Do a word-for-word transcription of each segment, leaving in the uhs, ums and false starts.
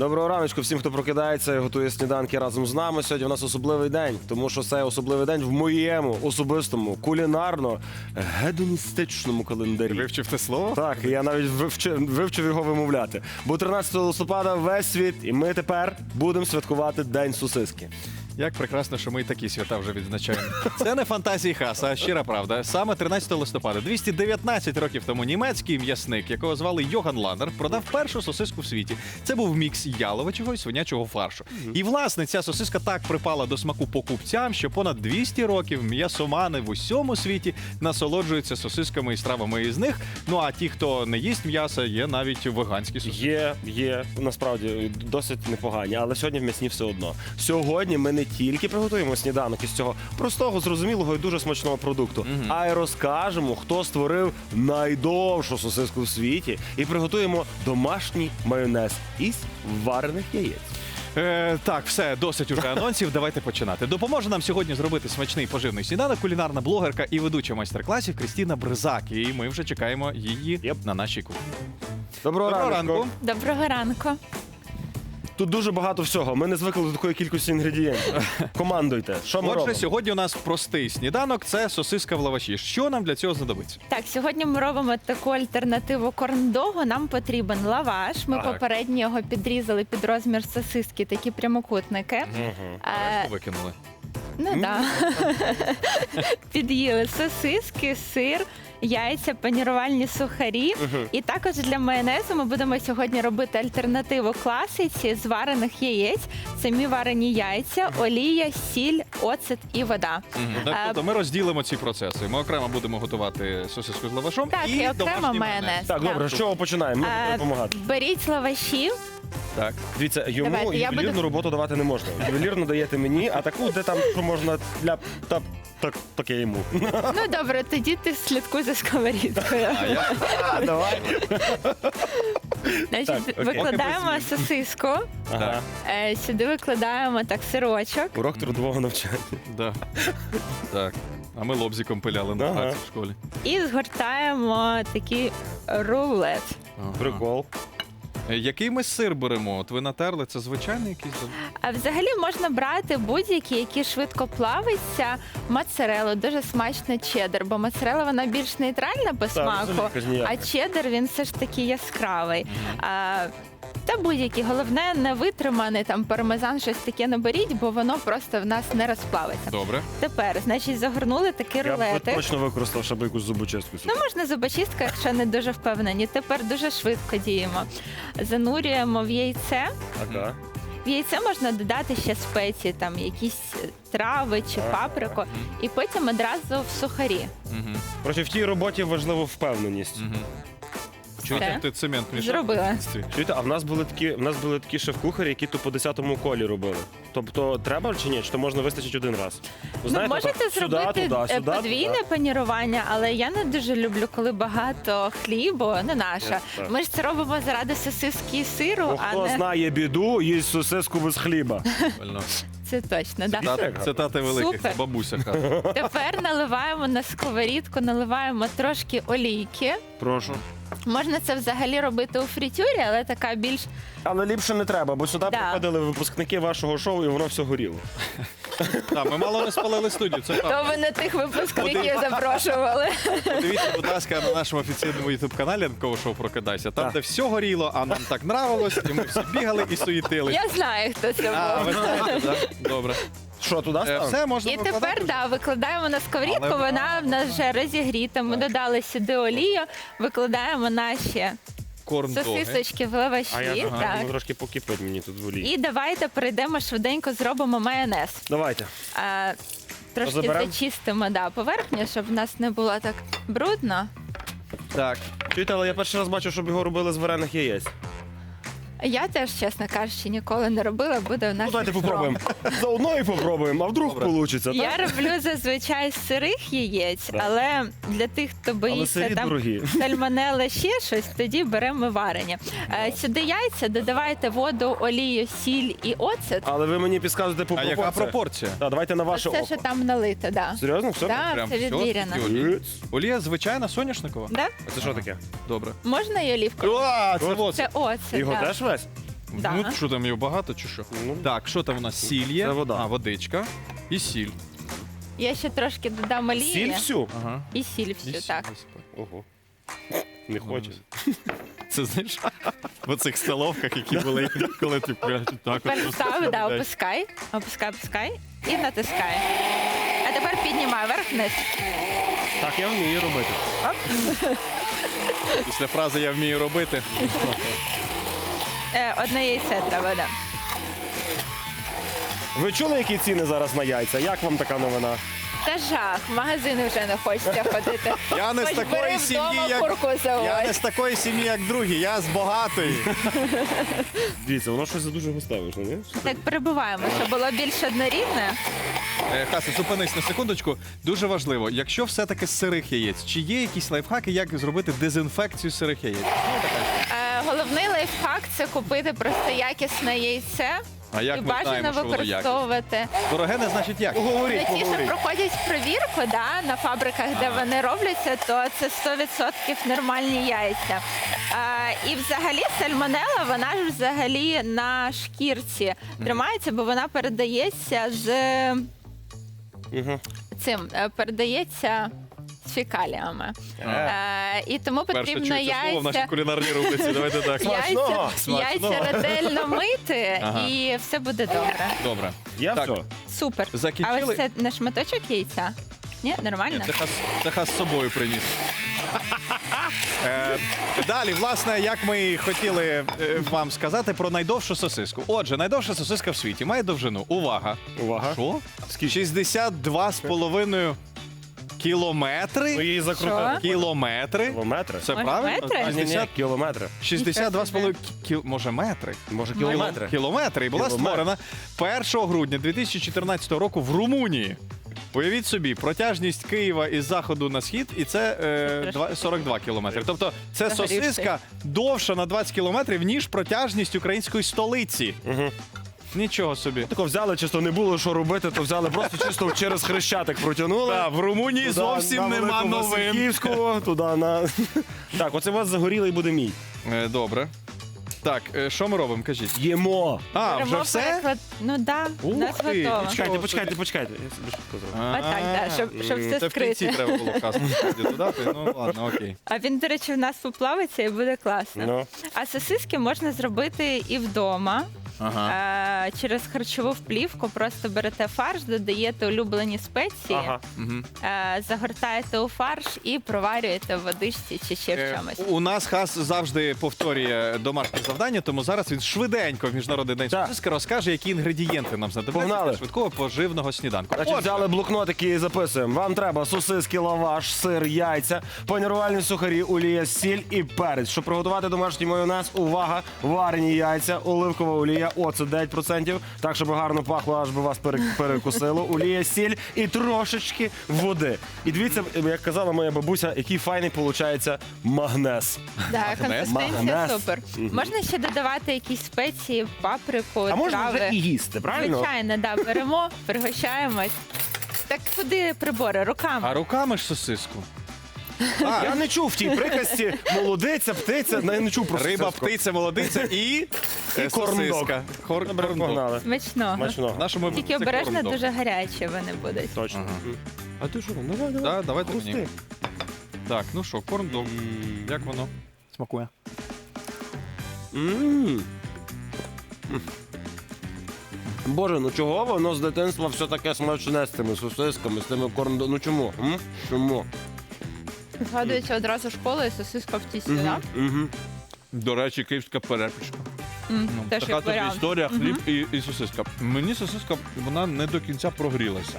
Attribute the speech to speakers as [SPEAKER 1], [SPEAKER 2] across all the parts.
[SPEAKER 1] Доброго раночку всім, хто прокидається і готує сніданки разом з нами. Сьогодні у нас особливий день, тому що це особливий день в моєму особистому, кулінарно-гедоністичному календарі.
[SPEAKER 2] Вивчив те слово?
[SPEAKER 1] Так, я навіть вивчив, вивчив його вимовляти. Бо тринадцятого листопада весь світ, і ми тепер будемо святкувати День сосиски.
[SPEAKER 2] Як прекрасно, що ми і такі свята вже відзначаємо. Це не фантазії Хаса, а щира правда. Саме тринадцятого листопада, двісті дев'ятнадцять років тому, німецький м'ясник, якого звали Йоган Ланнер, продав першу сосиску в світі. Це був мікс яловичого і свинячого фаршу. І, власне, ця сосиска так припала до смаку покупцям, що понад двісті років м'ясомани в усьому світі насолоджуються сосисками і стравами із них. Ну а ті, хто не їсть м'яса, є навіть веганські сосиски.
[SPEAKER 1] Є, є, насправді, досить непогані, але сьогодні в м'ясні все одно. Сьогодні ми не тільки приготуємо сніданок із цього простого, зрозумілого і дуже смачного продукту,
[SPEAKER 2] Мгм.
[SPEAKER 1] а й розкажемо, хто створив найдовшу сосиску в світі, і приготуємо домашній майонез із варених яєць.
[SPEAKER 2] Е, так, все, досить уже анонсів. Давайте починати. Допоможе нам сьогодні зробити смачний поживний сніданок кулінарна блогерка і ведуча майстер-класів Крістіна Бризак. І ми вже чекаємо її
[SPEAKER 1] Єп.
[SPEAKER 2] на нашій кухні.
[SPEAKER 1] Доброго,
[SPEAKER 2] Доброго
[SPEAKER 1] ранку.
[SPEAKER 2] ранку.
[SPEAKER 3] Доброго ранку.
[SPEAKER 1] Тут дуже багато всього. Ми не звикли до такої кількості інгредієнтів. Командуйте. Що ми
[SPEAKER 2] Отже,
[SPEAKER 1] робимо?
[SPEAKER 2] сьогодні у нас простий сніданок – це сосиска в лаваші. Що нам для цього знадобиться?
[SPEAKER 3] Так, сьогодні ми робимо таку альтернативу корндогу. Нам потрібен лаваш. Ми
[SPEAKER 2] Так.
[SPEAKER 3] попередньо його підрізали під розмір сосиски, такі прямокутники.
[SPEAKER 1] Мгм.
[SPEAKER 3] Е,
[SPEAKER 2] Решту викинули.
[SPEAKER 3] ну так. Під'їли сосиски, сир, яйця, панірувальні сухарі.
[SPEAKER 1] Мгм.
[SPEAKER 3] І також для майонезу ми будемо сьогодні робити альтернативу класиці з варених яєць. Самі варені яйця, олія, сіль, оцет і вода.
[SPEAKER 2] Мгм.
[SPEAKER 3] Е,
[SPEAKER 2] Тобто ми розділимо ці процеси. Ми окремо будемо готувати сосиску з лавашом
[SPEAKER 3] Так,
[SPEAKER 2] і
[SPEAKER 3] і окремо
[SPEAKER 2] домашній
[SPEAKER 3] майонез.
[SPEAKER 1] Так, добре, з чого починаємо? Ми
[SPEAKER 3] Е,
[SPEAKER 1] будемо допомагати.
[SPEAKER 3] Беріть лаваші.
[SPEAKER 2] Так.
[SPEAKER 1] Дивіться, йому
[SPEAKER 3] Давайте, я
[SPEAKER 1] ювелірну
[SPEAKER 3] буду-
[SPEAKER 1] роботу давати не можна. Ювелірну даєте мені, а таку, де там що можна ляп, тап, так, таке йому.
[SPEAKER 3] Ну добре, тоді ти слідкуй за сковорідкою.
[SPEAKER 2] А я
[SPEAKER 1] А, давай.
[SPEAKER 3] Значить,
[SPEAKER 1] Так, окей.
[SPEAKER 3] викладаємо
[SPEAKER 2] Поки без
[SPEAKER 3] сосиску,
[SPEAKER 1] Ага.
[SPEAKER 3] е, сюди викладаємо так сирочок.
[SPEAKER 1] Урок трудового навчання.
[SPEAKER 2] да. Так. А ми лобзиком пиляли на
[SPEAKER 1] Ага.
[SPEAKER 2] праці в школі.
[SPEAKER 3] І згортаємо такий рулет.
[SPEAKER 2] Ага.
[SPEAKER 1] Прикол.
[SPEAKER 2] Е, Який ми сир беремо? От ви натерли, це звичайний якийсь?
[SPEAKER 3] А взагалі можна брати будь-які, які швидко плавиться, моцарелу, дуже смачно чеддер, бо моцарела вона більш нейтральна по смаку,
[SPEAKER 1] взагалі якась ніяка.
[SPEAKER 3] а чеддер він все ж таки яскравий. А, та будь-які, головне не витриманий там пармезан, щось таке не беріть, бо воно просто в нас не розплавиться.
[SPEAKER 2] Добре.
[SPEAKER 3] Тепер, значить, загорнули такий
[SPEAKER 1] Я б
[SPEAKER 3] рулетик.
[SPEAKER 1] точно використав, щоб якусь зубочистку сюди.
[SPEAKER 3] Ну, можна зубочистка, якщо не дуже впевнені. Тепер дуже швидко діємо. Занурюємо в яйце.
[SPEAKER 1] Ага.
[SPEAKER 3] В яйце можна додати ще спеції, там якісь трави чи
[SPEAKER 1] Ага.
[SPEAKER 3] паприку, і потім одразу в сухарі.
[SPEAKER 2] Угу.
[SPEAKER 1] Короче, в тій роботі важлива впевненість.
[SPEAKER 2] Угу. Чуєте,
[SPEAKER 3] Все.
[SPEAKER 2] як ти цемент мішав?
[SPEAKER 3] Зробила.
[SPEAKER 2] в дитинстві?
[SPEAKER 1] Чуєте, а в нас були такі, в нас були такі шеф-кухарі, які то по десятому колі робили. Тобто треба чи ні? Чи то можна вистачить один раз? Ви
[SPEAKER 3] Ну, можете
[SPEAKER 1] так,
[SPEAKER 3] зробити
[SPEAKER 1] сюди,
[SPEAKER 3] е,
[SPEAKER 1] туди, сюди,
[SPEAKER 3] подвійне
[SPEAKER 1] туди.
[SPEAKER 3] панірування, але я не дуже люблю, коли багато хлібу, не наша.
[SPEAKER 1] Я так.
[SPEAKER 3] Ми ж це робимо заради сосиски і сиру,
[SPEAKER 1] Бо
[SPEAKER 3] а
[SPEAKER 1] хто
[SPEAKER 3] не
[SPEAKER 1] знає біду, їсть сосиску без хліба.
[SPEAKER 2] Правильно.
[SPEAKER 3] це точно. Да.
[SPEAKER 2] Цитати, цитати великих,
[SPEAKER 3] Супер.
[SPEAKER 2] бабуся каже.
[SPEAKER 3] Тепер наливаємо на сковорідку, наливаємо трошки олійки.
[SPEAKER 1] Прошу.
[SPEAKER 3] Можна це взагалі робити у фритюрі, але така більш
[SPEAKER 1] Але ліпше не треба, бо сюди
[SPEAKER 3] Да.
[SPEAKER 1] приходили випускники вашого шоу, і воно все горіло.
[SPEAKER 2] Так, ми мало не спалили студію, це
[SPEAKER 3] то
[SPEAKER 2] правда.
[SPEAKER 3] ви не тих випускників запрошували.
[SPEAKER 2] Подивіться, будь ласка, на нашому офіційному ютуб-каналі «Ранкове шоу Прокидайся». Там,
[SPEAKER 1] Так.
[SPEAKER 2] де все горіло, а нам так нравилось, і ми всі бігали і суїтили.
[SPEAKER 3] Я знаю, хто це
[SPEAKER 2] А, ви
[SPEAKER 3] був.
[SPEAKER 2] знаєте, так? Добре.
[SPEAKER 1] Що, туди
[SPEAKER 2] Е,
[SPEAKER 1] ставимо?
[SPEAKER 2] Все, можна
[SPEAKER 3] І
[SPEAKER 2] викладати
[SPEAKER 3] тепер
[SPEAKER 2] вже?
[SPEAKER 3] да, викладаємо на сковорідку,
[SPEAKER 2] Але-
[SPEAKER 3] вона в нас вже розігріта. Ми додали сюди олію, викладаємо наші
[SPEAKER 2] Корн-доги.
[SPEAKER 3] сосисочки в лаваші.
[SPEAKER 1] А я ага,
[SPEAKER 3] так.
[SPEAKER 1] ну, трошки покипить мені тут в олії.
[SPEAKER 3] І давайте перейдемо швиденько, зробимо майонез.
[SPEAKER 1] Давайте.
[SPEAKER 3] А, трошки
[SPEAKER 1] Розберемо?
[SPEAKER 3] зачистимо да, поверхню, щоб в нас не було так брудно.
[SPEAKER 2] Так.
[SPEAKER 1] Чуєте, але я перший раз бачу, щоб його робили з варених яєць.
[SPEAKER 3] Я теж, чесно кажучи, ніколи не робила, буде у нас.
[SPEAKER 1] Ну, давайте
[SPEAKER 3] екстром.
[SPEAKER 1] попробуємо. Заодно і попробуємо, а вдруг
[SPEAKER 2] Добре.
[SPEAKER 1] вийде, так?
[SPEAKER 3] Я роблю зазвичай з сирих яєць,
[SPEAKER 1] Так.
[SPEAKER 3] але для тих, хто
[SPEAKER 1] Але
[SPEAKER 3] боїться
[SPEAKER 1] сирі
[SPEAKER 3] там
[SPEAKER 1] дорогі.
[SPEAKER 3] сальмонелла, ще щось, тоді беремо варені. Е, Сюди яйця, додавайте воду, олію, сіль і оцет.
[SPEAKER 1] Але ви мені підказуєте по
[SPEAKER 2] А яка
[SPEAKER 1] пропорціях.
[SPEAKER 2] пропорція?
[SPEAKER 1] Так, давайте на ваше
[SPEAKER 3] Оце,
[SPEAKER 1] око.
[SPEAKER 3] що там налито, да.
[SPEAKER 1] Серйозно? Все?
[SPEAKER 3] Так,
[SPEAKER 2] Прям
[SPEAKER 3] це
[SPEAKER 2] всьо?
[SPEAKER 3] відміряно.
[SPEAKER 2] Тільки олія? Олія звичайна соняшникова?
[SPEAKER 3] Да?
[SPEAKER 1] А це що таке?
[SPEAKER 2] Добре.
[SPEAKER 3] Можна і олівку?
[SPEAKER 2] А, це
[SPEAKER 1] От.
[SPEAKER 2] вот.
[SPEAKER 3] Це оцет.
[SPEAKER 1] Його
[SPEAKER 3] да.
[SPEAKER 1] теж весь?
[SPEAKER 3] Да.
[SPEAKER 2] Ну, що там, його багато чи що?
[SPEAKER 1] Ну.
[SPEAKER 2] Так, що там у нас? Сіль є?
[SPEAKER 1] Це вода.
[SPEAKER 2] А, водичка. І сіль.
[SPEAKER 3] Я ще трошки додам олії.
[SPEAKER 1] Сіль всю?
[SPEAKER 2] Ага.
[SPEAKER 3] І сіль всю,
[SPEAKER 2] І сіль
[SPEAKER 3] так.
[SPEAKER 2] висипай.
[SPEAKER 1] Ого. Не хочеш.
[SPEAKER 2] Це, знаєш, в оцих столовках, які були, коли ти прям так от
[SPEAKER 3] Тепер
[SPEAKER 2] просто
[SPEAKER 3] став, да,
[SPEAKER 2] додаєш.
[SPEAKER 3] опускай, опускай, опускай і натискай. А тепер піднімай вверх-вниз.
[SPEAKER 1] Так, я вмію робити.
[SPEAKER 2] Після фрази «я вмію робити».
[SPEAKER 3] Е, одне яйце треба, да.
[SPEAKER 1] Ви чули, які ціни зараз на яйця? Як вам така новина?
[SPEAKER 3] Та жах, в магазини вже не хочеться ходити.
[SPEAKER 2] Я не з
[SPEAKER 3] Хоч
[SPEAKER 2] такої
[SPEAKER 3] бери
[SPEAKER 2] сім'ї,
[SPEAKER 3] вдома
[SPEAKER 2] як-
[SPEAKER 3] курку заводь.
[SPEAKER 2] Я не з такої сім'ї, як другі, я з багатої.
[SPEAKER 1] Дивіться, воно щось дуже густе вийшло, ні?
[SPEAKER 3] Так перебуваємо, щоб було більш однорідне.
[SPEAKER 2] Е, Хаса, зупинись на секундочку. Дуже важливо, якщо все-таки з сирих яєць, чи є якісь лайфхаки, як зробити дезінфекцію сирих яєць?
[SPEAKER 3] Е, головний лайфхак це купити просто якісне яйце.
[SPEAKER 2] А як
[SPEAKER 3] І
[SPEAKER 2] ми
[SPEAKER 3] бажано
[SPEAKER 2] знаємо, що воно якісне?
[SPEAKER 3] використовувати.
[SPEAKER 2] Дороге не значить як.
[SPEAKER 1] Поговоріть,
[SPEAKER 3] Ті, що
[SPEAKER 1] поговоріть.
[SPEAKER 3] проходять провірку да, на фабриках, де вони робляться, то це сто відсотків нормальні яйця. А, і взагалі сальмонела, вона ж взагалі на шкірці тримається, бо вона передається з
[SPEAKER 1] Угу.
[SPEAKER 3] цим, е, передається з фекаліями. Е, і тому
[SPEAKER 2] Перше
[SPEAKER 3] потрібно
[SPEAKER 2] чується слово в нашій
[SPEAKER 3] яйця.
[SPEAKER 2] кулінарній рубриці. Давайте так.
[SPEAKER 1] Смачного!
[SPEAKER 3] Яйця, яйця ретельно мити,
[SPEAKER 2] Ага.
[SPEAKER 3] і все буде добре.
[SPEAKER 2] Добре.
[SPEAKER 1] Я
[SPEAKER 2] Так.
[SPEAKER 1] все.
[SPEAKER 3] Супер.
[SPEAKER 2] Закінчили?
[SPEAKER 3] А ось це не шматочок яйця? Ні, нормально?
[SPEAKER 2] Ні, це хас, це хас з собою приніс. Е, далі, власне, як ми і хотіли е, вам сказати про найдовшу сосиску. Отже, найдовша сосиска в світі має довжину. Увага!
[SPEAKER 1] Увага.
[SPEAKER 2] Що? шістдесят два з половиною
[SPEAKER 1] Ви
[SPEAKER 2] кілометри.
[SPEAKER 1] її закрутили.
[SPEAKER 2] Кілометри.
[SPEAKER 1] Кілометри?
[SPEAKER 2] Це
[SPEAKER 3] Може,
[SPEAKER 2] правильно?
[SPEAKER 3] метри?
[SPEAKER 1] Ні, ні,
[SPEAKER 2] шістдесят,
[SPEAKER 1] кілометри.
[SPEAKER 2] шістдесят два з половиною кіл... Може, метри?
[SPEAKER 1] Може,
[SPEAKER 3] Кілометри.
[SPEAKER 1] кілометри?
[SPEAKER 2] Кілометри. І була
[SPEAKER 1] Кілометр.
[SPEAKER 2] створена першого грудня дві тисячі чотирнадцятого року в Румунії. Уявіть собі, протяжність Києва із заходу на схід, і це е, два- сорок два кілометри. Тобто це
[SPEAKER 3] Загорівший.
[SPEAKER 2] сосиска довша на двадцять кілометрів, ніж протяжність української столиці.
[SPEAKER 1] Угу.
[SPEAKER 2] Нічого собі.
[SPEAKER 1] Тако взяли, чисто не було що робити, то взяли просто чисто через хрещатик протягнули.
[SPEAKER 2] Та, в Румунії
[SPEAKER 1] Туди,
[SPEAKER 2] зовсім
[SPEAKER 1] на
[SPEAKER 2] нема
[SPEAKER 1] Велику
[SPEAKER 2] новин.
[SPEAKER 1] Васильківську, туди на. Так, оце у вас загорілий буде мій.
[SPEAKER 2] Е, добре. Так, е, що ми робимо? Кажіть.
[SPEAKER 1] Їмо.
[SPEAKER 2] А, вже
[SPEAKER 3] Беремо
[SPEAKER 2] все?
[SPEAKER 3] переклад- Ну так, да, у
[SPEAKER 2] Ух
[SPEAKER 3] нас
[SPEAKER 2] ти,
[SPEAKER 3] готово.
[SPEAKER 1] Почекайте, почекайте, почекайте. Я собі швидко зроблю.
[SPEAKER 3] Отак, да, щоб, щоб все
[SPEAKER 2] Це в кінці
[SPEAKER 3] скрити.
[SPEAKER 2] треба було вказати. Додати? Ну ладно, окей.
[SPEAKER 3] А він, до речі, в нас поплавиться і буде класно.
[SPEAKER 1] Ну.
[SPEAKER 3] А сосиски можна зробити і вдома.
[SPEAKER 2] Ага.
[SPEAKER 3] Е, через харчову вплівку просто берете фарш, додаєте улюблені спеції,
[SPEAKER 1] Ага.
[SPEAKER 2] Мгм.
[SPEAKER 3] е, загортаєте у фарш і проварюєте в водичці чи ще в
[SPEAKER 2] Е,
[SPEAKER 3] чомусь.
[SPEAKER 2] У нас Хас завжди повторює домашнє завдання, тому зараз він швиденько в міжнародний день
[SPEAKER 1] Так.
[SPEAKER 2] сосиски розкаже, які інгредієнти нам знадобляться
[SPEAKER 1] Погнали.
[SPEAKER 2] для швидкого поживного сніданку.
[SPEAKER 1] Значить,
[SPEAKER 2] Отже,
[SPEAKER 1] взяли блокнотики і записуємо. Вам треба сосиски, лаваш, сир, яйця, панірувальні сухарі, олія, сіль і перець. Щоб приготувати домашній майонез, увага, варені яйця, оливкова олія, оцет дев'ять відсотків, так, щоб гарно пахло, аж би вас пере- перекусило. Олія, сіль і трошечки води. І дивіться, як казала моя бабуся, який файний виходить магнез.
[SPEAKER 3] Да,
[SPEAKER 2] Магнез?
[SPEAKER 3] консистенція
[SPEAKER 1] Магнез.
[SPEAKER 3] супер. Можна ще додавати якісь спеції, паприку,
[SPEAKER 1] А можна
[SPEAKER 3] трави.
[SPEAKER 1] вже і їсти, правильно?
[SPEAKER 3] Звичайно, да, беремо, пригощаємось. Так куди прибори? Руками.
[SPEAKER 2] а руками ж сосиску. А,
[SPEAKER 1] Я не чув в тій приказці молодиця, птиця, я не чув про
[SPEAKER 2] риба,
[SPEAKER 1] сосиску.
[SPEAKER 2] птиця, молодиця і, е,
[SPEAKER 1] корндог.
[SPEAKER 2] сосиска. Хор-
[SPEAKER 1] Добре,
[SPEAKER 2] корндог.
[SPEAKER 1] погнали.
[SPEAKER 3] Смачного.
[SPEAKER 1] Смачного.
[SPEAKER 2] В нашому
[SPEAKER 3] Тільки
[SPEAKER 2] це
[SPEAKER 3] обережно,
[SPEAKER 2] корндог.
[SPEAKER 3] дуже гарячі вони будуть.
[SPEAKER 1] Точно.
[SPEAKER 2] Ага.
[SPEAKER 1] А ти що? Ну, давай, давай.
[SPEAKER 2] Да, давайте
[SPEAKER 1] Хрусти.
[SPEAKER 2] мені. Так, ну що, корндог.
[SPEAKER 1] М.
[SPEAKER 2] Як воно смакує?
[SPEAKER 1] М. Боже, ну чого воно з дитинства все таке смачне з тими сосисками, з тими корндо... Ну чому? М? Чому?
[SPEAKER 3] Згадується одразу школа і сосиска в тісті,
[SPEAKER 1] Мгм,
[SPEAKER 3] так?
[SPEAKER 1] мгм.
[SPEAKER 2] До речі, київська перепічка.
[SPEAKER 3] М,
[SPEAKER 2] Ну,
[SPEAKER 3] Теж
[SPEAKER 2] така
[SPEAKER 3] як
[SPEAKER 2] тобі
[SPEAKER 3] варіант.
[SPEAKER 2] історія, хліб і, і сосиска. Мені сосиска, вона не до кінця прогрілася.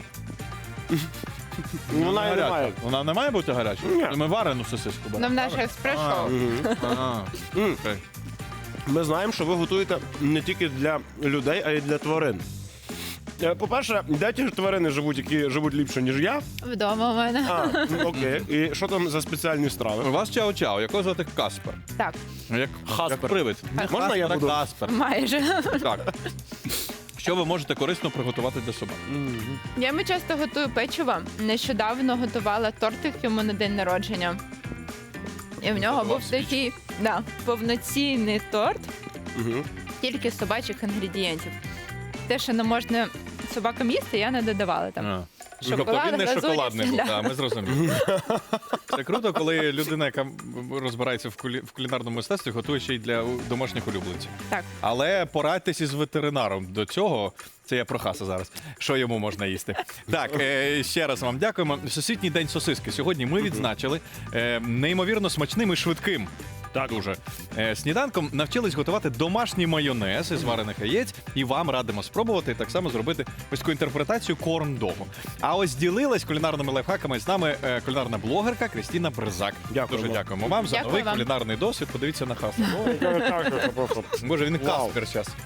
[SPEAKER 1] Ну, вона і не
[SPEAKER 2] гаряча.
[SPEAKER 1] має.
[SPEAKER 2] Вона не має бути гарячою?
[SPEAKER 1] Ні.
[SPEAKER 2] Ми варену сосиску беремо.
[SPEAKER 3] Ну, в наш
[SPEAKER 2] правильно?
[SPEAKER 3] експрес-шоу.
[SPEAKER 1] Мгм.
[SPEAKER 2] А, а,
[SPEAKER 1] М.
[SPEAKER 2] окей.
[SPEAKER 1] Ми знаємо, що ви готуєте не тільки для людей, а й для тварин. Е, По-перше, де ті ж тварини живуть, які живуть ліпше, ніж я?
[SPEAKER 3] Вдома у мене.
[SPEAKER 1] А, ну, окей. І що там за спеціальні
[SPEAKER 2] У
[SPEAKER 1] страви?
[SPEAKER 2] вас чао-чао, якого звати Каспер?
[SPEAKER 3] Так,
[SPEAKER 2] Як,
[SPEAKER 1] Хаспер.
[SPEAKER 2] як привид. Не
[SPEAKER 1] Можна
[SPEAKER 2] Хаспер,
[SPEAKER 1] я
[SPEAKER 2] а
[SPEAKER 1] буду?
[SPEAKER 2] Каспер.
[SPEAKER 3] майже.
[SPEAKER 2] Так. Що ви можете корисно приготувати для собак?
[SPEAKER 3] Я йому часто готую печиво. Нещодавно готувала тортик йому на день народження. І в нього
[SPEAKER 2] Готував
[SPEAKER 3] був такий да, повноцінний торт.
[SPEAKER 1] Угу.
[SPEAKER 3] тільки собачих інгредієнтів. Те, що не можна собакам їсти, я не додавала там.
[SPEAKER 2] А.
[SPEAKER 3] Шоколад,
[SPEAKER 2] Тобто він не
[SPEAKER 3] глазурь,
[SPEAKER 2] шоколадний був,
[SPEAKER 3] да.
[SPEAKER 2] да, ми зрозуміли. Це круто, коли людина, яка розбирається в, кулі... в кулінарному мистецтві, готує ще й для у- домашніх улюбленців.
[SPEAKER 3] Так.
[SPEAKER 2] Але порадьтесь із ветеринаром до цього. Це я про хаса зараз. Що йому можна їсти? Так, е, ще раз вам дякуємо. Всесвітній день сосиски. Сьогодні ми відзначили е, неймовірно смачним і швидким.
[SPEAKER 1] Так.
[SPEAKER 2] Дуже. Е, сніданком навчились готувати домашній майонез із варених яєць, і вам радимо спробувати так само зробити ось таку інтерпретацію корн-догу. А ось ділилась кулінарними лайфхаками з нами е, кулінарна блогерка Крістіна Бризак.
[SPEAKER 1] Дякуємо.
[SPEAKER 2] Дуже дякуємо вам за
[SPEAKER 3] Дякую
[SPEAKER 2] новий
[SPEAKER 3] вам.
[SPEAKER 2] кулінарний досвід. Подивіться на хаса. Боже, він
[SPEAKER 1] Вау.
[SPEAKER 2] каспер зараз.